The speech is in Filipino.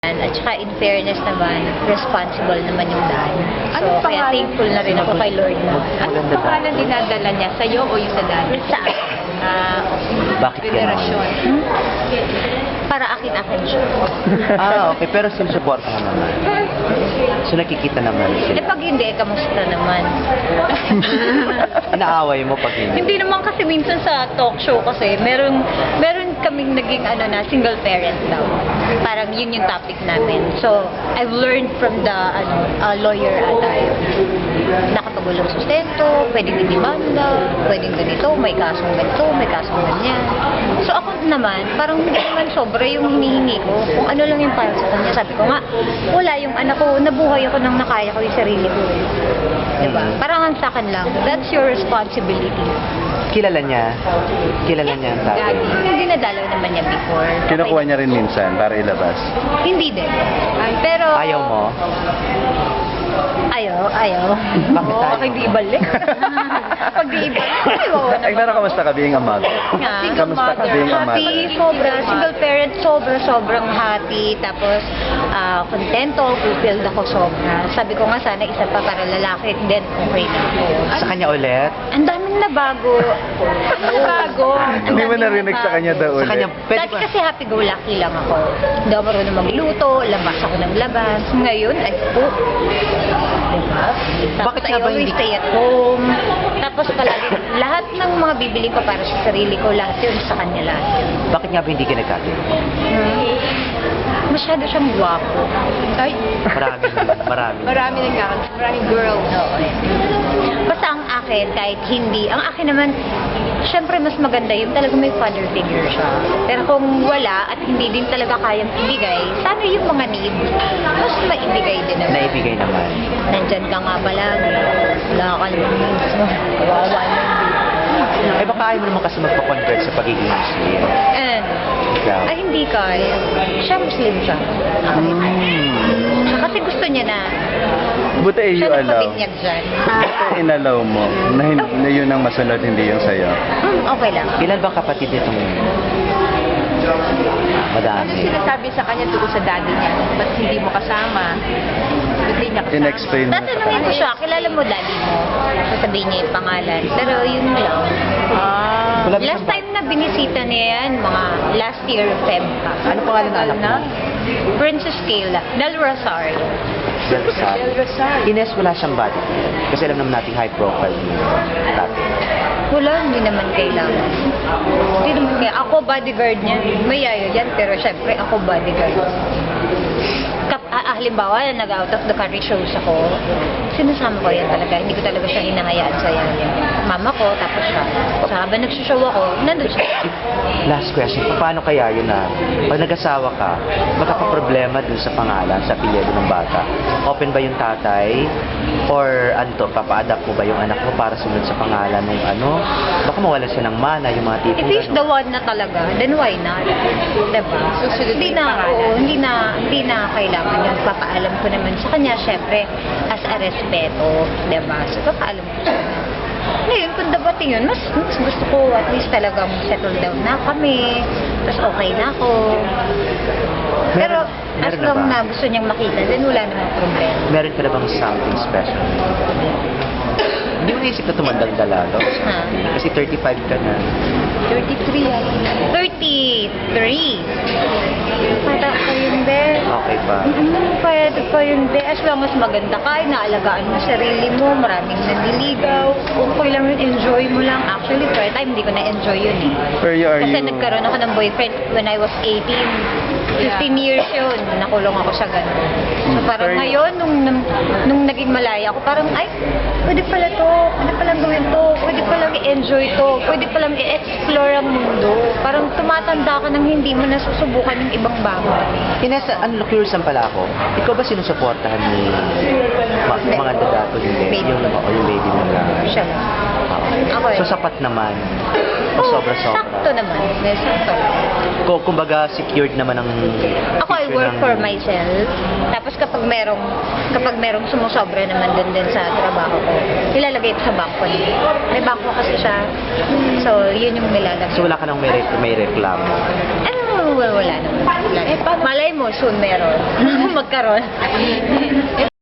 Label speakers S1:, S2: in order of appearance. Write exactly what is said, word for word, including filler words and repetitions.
S1: At saka in fairness naman, responsible naman yung dad. So,
S2: Anong
S1: kaya
S2: pangalan?
S1: thankful na rin ako kay Lord na.
S2: Anong pangalan dinadala niya? Sa'yo o yung sa dad?
S1: Sa akin.
S2: Ah,
S3: Bakit ganon?
S2: venerasyon.
S1: Hmm? Para akin-akin siya.
S3: Ah, okay. Pero sinusuporta ka naman. So nakikita naman
S1: Eh
S3: sila.
S1: pag hindi, kamusta naman?
S3: Inaaway mo pag hindi.
S1: Hindi naman kasi minsan sa talk show kasi, meron, meron kaming naging ano na, single parent daw. Parang yun yung topic namin. So, I've learned from the ano, uh, lawyer ata yun. Nakapagulong sustento, pwedeng idemanda, pwedeng ganito, may kasong ganito, may kasong ganyan. So ako naman, parang hindi naman sobra yung hinihingi ko. Kung ano lang yung para sa kanya. Sabi ko nga, wala yung anak ko, nabuhay ako nang nakaya ko yung sarili ko. Eh. Diba? Parang ang sa akin lang, that's your responsibility.
S3: Kilala niya. Kilala niya ang tatay.
S1: Hindi nadalaw naman niya before.
S4: Kinukuha niya rin minsan para ilabas.
S1: Hindi din. Pero...
S3: Ayaw mo?
S1: Ayaw, ayaw.
S3: Bakit
S1: Oo,
S3: ayaw?
S1: Pag di ibalik. Pag di ibalik, ayaw
S4: Ay,
S1: naman.
S4: Clara, kamusta ka being a mother?
S1: Nga.
S4: Kamusta ka being a mother?
S1: Happy, sobra. Single parent, sobra, sobrang happy. Tapos, ah, kontento, fulfilled ako sobra. Sabi ko nga sana isa pa para lalaki, then okay na ako.
S3: Sa kanya ulit?
S1: Ang daming nabago. Nabago. Ang
S4: Hindi mo
S1: daming
S4: narinig sa
S1: nabago.
S4: kanya daw
S3: Sa kanya,
S4: ulit.
S3: pwede
S1: Dati
S3: ba?
S1: kasi happy-go-lucky lang ako. Hindi ako marunong magluto, labas ako ng labas. Ngayon, ay cook. Diba? Tapos
S3: Bakit
S1: I
S3: nga ba
S1: always
S3: hindi-
S1: stay at home. Tapos palagi, lahat ng mga bibili ko para sa sarili ko, lahat yun sa kanya lahat yun.
S3: Bakit nga ba hindi ka nagkatid?
S1: Hmm. Masyado siyang gwapo.
S2: Ay,
S3: Marami naman. Marami.
S2: marami nang nga. Maraming girls.
S1: Oo. eh. Basta ang akin, kahit hindi, ang akin naman, syempre mas maganda yung talaga may father figure siya. Pero kung wala at hindi din talaga kayang ibigay, sana yung mga need, mas maibigay din naman.
S3: Naibigay naman.
S1: Nandyan ka nga palagi. Wala ka naman needs mo. Kawawa naman.
S3: Eh baka ayaw mo naman kasi magpa-convert sa pagiging Muslim.
S1: And,
S3: Ikaw?
S1: ay hindi kaya. Siya Muslim siya.
S3: Hmm.
S1: Kasi gusto niya na.
S4: Buti eh, you
S1: Siya
S4: allow.
S1: nagpabinyag dyan.
S4: Buti inallow mo na, hin- na yun ang masunod, hindi yung sa'yo.
S1: Hmm, okay lang.
S3: Ilan bang kapatid itong
S2: Ano
S3: madami?
S2: sinasabi sa kanya tungkol sa daddy niya? Ba't hindi mo kasama? Ba't hindi niya kasama?
S4: In-explain mo sa
S1: Tatanungin
S4: kanya.
S1: ko siya, kilala mo daddy mo? Sasabihin niya yung pangalan. Pero yun lang.
S2: Ah.
S3: Wala ba
S1: Last
S3: siyang-
S1: time na binisita niya yan, mga last year Feb pa.
S3: Ano pangalan ng anak mo?
S1: Princess Kayla, Del Rosario.
S3: Del Rosario.
S2: Del Rosario.
S3: Ines, wala siyang body. Kasi alam naman natin high profile yung tatay.
S1: Wala, hindi naman kailangan. Hindi naman kaya. Ako bodyguard niya. May yayo yan, pero syempre ako bodyguard. Kap, ah, ah, halimbawa, nag-out of the country shows ako, sinasama ko yan talaga. Hindi ko talaga siya hinahayaan sa yan. Mama ko, tapos siya. So, habang nagsushow ako, nandun siya.
S3: Last question, paano kaya yun na pag nag-asawa ka, magkakaproblema dun sa pangalan, sa apelyido ng bata? Open ba yung tatay? Or ano to, papa-adapt mo ba yung anak mo para sunod sa pangalan ng ano? Baka mawala siya ng mana, yung mga
S1: If
S3: tipong
S1: he's the
S3: gano'n.
S1: one na talaga, then why not? Diba?
S2: Susunod
S1: Hindi
S2: yung
S1: na,
S2: pangalan.
S1: oo, hindi na, hindi na kailangan yun. Papaalam ko naman sa kanya, syempre, as a respeto, diba? So, papaalam ko sa kanya. Ngayon, kung dabating yun, mas, mas gusto ko at least talagang settle down na kami, tapos okay na ako. Pero,
S3: Meron-
S1: as
S3: meron na
S1: long
S3: ba?
S1: na gusto niyang makita, then wala namang problema.
S3: Meron ka na bang something special? Hindi mo naisip na tumandang dalaga?
S1: Ha?
S3: Kasi thirty-five ka na.
S2: thirty-three yan.
S1: thirty-three. Para ko yun din.
S3: Okay pa.
S1: Mm, pwede pa yun din. As long as maganda ka, naalagaan mo sarili mo, maraming nanliligaw. Okay lang yun, enjoy mo lang. Actually, for a time, hindi ko na-enjoy yun eh.
S4: Where you are
S1: Kasi
S4: you?
S1: nagkaroon ako ng boyfriend when I was eighteen. fifteen years yun, nakulong ako sa ganun. So
S4: Mm,
S1: parang
S4: pero-
S1: ngayon, nung, nung, nung naging malaya ako, parang, ay, pwede pala to, pwede palang gawin to, pwede palang i-enjoy to, pwede palang i-explore ang mundo. Parang tumatanda ka nang hindi mo nasusubukan yung ibang bagay.
S3: Ines, ano, curious lang pala ako. Ikaw ba sinusuportahan ni ma- mga dadato hindi?
S1: Baby.
S3: Yung, o, yung baby mo na.
S1: Siya lang.
S3: Oo.
S1: Ako eh.
S3: So sapat naman. O
S1: Oo,
S3: sobra-sobra.
S1: sakto naman. May sakto.
S3: Kung kumbaga secured naman ang
S1: Ako, I
S3: future
S1: work
S3: ng-
S1: for myself. Tapos kapag merong, kapag merong sumusobra naman dun din sa trabaho ko, ilalagay ko sa bangko niya. May bangko kasi siya. So, yun yung nilalagay.
S3: So wala ka nang may, re- may reklamo.
S1: Ano, wala, wala naman. Wala.
S2: Eh, paano-
S1: Malay mo, soon meron. Magkaroon.